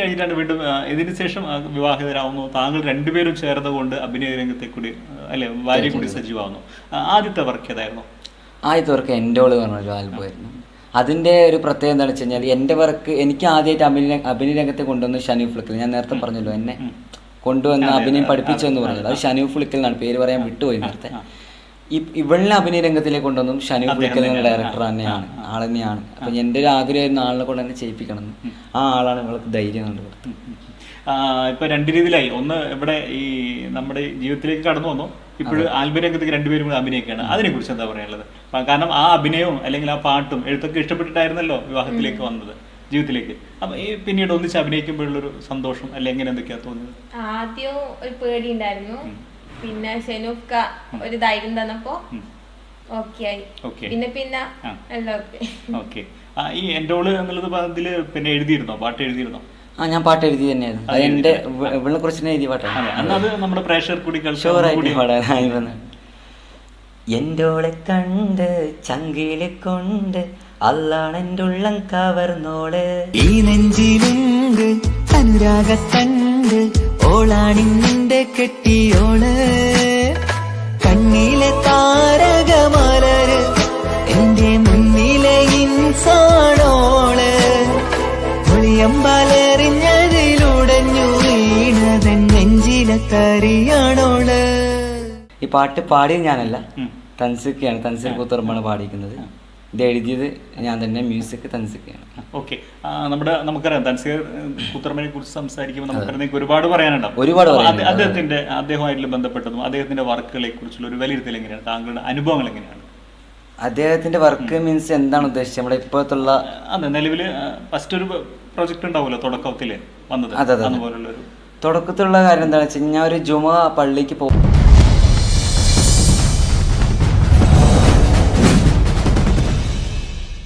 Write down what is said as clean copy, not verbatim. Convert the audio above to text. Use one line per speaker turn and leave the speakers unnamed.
കഴിഞ്ഞിട്ടാണ് വീണ്ടും ഇതിന് ശേഷം വിവാഹിതരാവുന്നു. താങ്കൾ രണ്ടുപേരും ചേർന്നുകൊണ്ട് അഭിനയ രംഗത്തെ കൂടി അല്ലെ ഭാര്യ കൂടി സജീവമാവുന്നു. ആദ്യത്തെ വർക്ക് ഏതായിരുന്നു?
ആദ്യത്തെ വർക്ക് എൻ്റെ ഓള് പറഞ്ഞൊരു ആൽബമായിരുന്നു. അതിൻ്റെ ഒരു പ്രത്യേകത എന്താണെന്ന് വെച്ച് കഴിഞ്ഞാൽ എൻ്റെ വർക്ക് എനിക്ക് ആദ്യമായിട്ട് അഭിനയ രംഗത്തെ കൊണ്ടുവന്ന് ഷനീഫ് ഫുളിക്കൽ. ഞാൻ നേരത്തെ പറഞ്ഞല്ലോ എന്നെ കൊണ്ടുവന്ന് അഭിനയം പഠിപ്പിച്ചെന്ന് പറഞ്ഞത് അത് ഷനീഫ് ഫുളിക്കൽ എന്നാണ്. പേര് പറയാൻ വിട്ടുപോയി നേരത്തെ. ഇവളിനെ അഭിനയ രംഗത്തിലേക്ക് കൊണ്ടുവന്നും ഷനീഫ് ഫുളിക്കൽ എന്ന ഡയറക്ടർ തന്നെയാണ്, ആൾ തന്നെയാണ്. അപ്പം എൻ്റെ ഒരു ആഗ്രഹമായിരുന്നു ആളിനെ കൊണ്ട് തന്നെ ചെയ്യിപ്പിക്കണം എന്ന്. ആ ആളാണ് ഇവൾക്ക് ധൈര്യം കണ്ടുകൊടുത്തത്.
ഇപ്പൊ രണ്ട് രീതിയിലായി. ഒന്ന് ഇവിടെ ഈ നമ്മുടെ ജീവിതത്തിലേക്ക് കടന്നു വന്നു, ഇപ്പോഴും ആൽബം രംഗത്തേക്ക് രണ്ടുപേരും കൂടെ അഭിനയിക്കുകയാണ്. അതിനെ കുറിച്ച് എന്താ പറയാനുള്ളത്? കാരണം ആ അഭിനയവും അല്ലെങ്കിൽ ആ പാട്ടും എഴുത്തൊക്കെ ഇഷ്ടപ്പെട്ടിട്ടായിരുന്നല്ലോ വിവാഹത്തിലേക്ക് വന്നത്, ജീവിതത്തിലേക്ക്. അപ്പൊ ഈ പിന്നീട് ഒന്നിച്ച് അഭിനയിക്കുമ്പോഴുള്ളൊരു സന്തോഷം അല്ലെ എങ്ങനെ എന്തൊക്കെയാ തോന്നുന്നത്?
ആദ്യം ഒരു പേടി ഉണ്ടായിരുന്നു, പിന്നെ ഷെനൂഫ്ക ഒരു ധൈര്യം തന്നപ്പോ ഓക്കെ ആയി. പിന്നെ എല്ലാം
ഓക്കെ. ഈ എൻ്റെ ഓള് എന്നുള്ളത് അതില് പിന്നെ എഴുതിയിരുന്നോ, പാട്ട് എഴുതിയിരുന്നോ?
ഞാൻ പാട്ട് എഴുതി തന്നെയായിരുന്നു. അത് എൻ്റെ ഇവളെ കുറിച്ച് തന്നെ എഴുതിയ പാട്ടാണ്.
അത് നമ്മുടെ പ്രേക്ഷകർ കൂടി
ഷുവറായിട്ട് പാടാൻ. എൻ്റോളെ കണ്ട് ചങ്കിലെ കൊണ്ട് അല്ലാണെൻ്റെ ഉള്ളം കവർന്നോള്, ഈ നെഞ്ചിലുണ്ട് അനുരാഗത്തണ്ട്, ഓളാണിന്റെ കെട്ടിയോള്, കണ്ണിലെ താരകമലര് എന്റെ മുന്നിലെ ഇൻസാണോള്, ഒളിയമ്പാലെറിഞ്ഞതിലുടഞ്ഞു വീണതൻ നെഞ്ചിലെ കരിയാണോള്. ഈ പാട്ട് പാടിയത് ഞാനല്ല, തൻസിക്കയാണ്. തൻസിൽ കൂത്തുറമ്പാണ് പാടിയിരിക്കുന്നത്. ഇത് എഴുതിയത് ഞാൻ തന്നെ, മ്യൂസിക് തൻസിക്കയാണ്.
ഓക്കെ. നമുക്കറിയാം തൻസീർ കൂത്തുറമ്പിനെ കുറിച്ച് സംസാരിക്കുമ്പോൾ നമുക്കറിയാം ഒരുപാട് പറയാനുണ്ടാവും. അദ്ദേഹമായിട്ട് ബന്ധപ്പെട്ടതും അദ്ദേഹത്തിന്റെ വർക്കുകളെ കുറിച്ചുള്ള ഒരു വിലയിരുത്തൽ എങ്ങനെയാണ്? താങ്കളുടെ അനുഭവങ്ങൾ എങ്ങനെയാണ്?
അദ്ദേഹത്തിന്റെ വർക്ക് മീൻസ് എന്താണ് ഉദ്ദേശിച്ചത്? നമ്മുടെ ഇപ്പോഴത്തുള്ള
നിലവിൽ ഫസ്റ്റ് ഒരു പ്രൊജക്ട് ഉണ്ടാവുമല്ലോ തുടക്കത്തില് വന്നത്, അതുപോലുള്ള ഒരു
തുടക്കത്തിലുള്ള കാര്യം എന്താണെന്ന് വെച്ച് കഴിഞ്ഞാൽ ഒരു ജുമ പള്ളിക്ക് പോകും.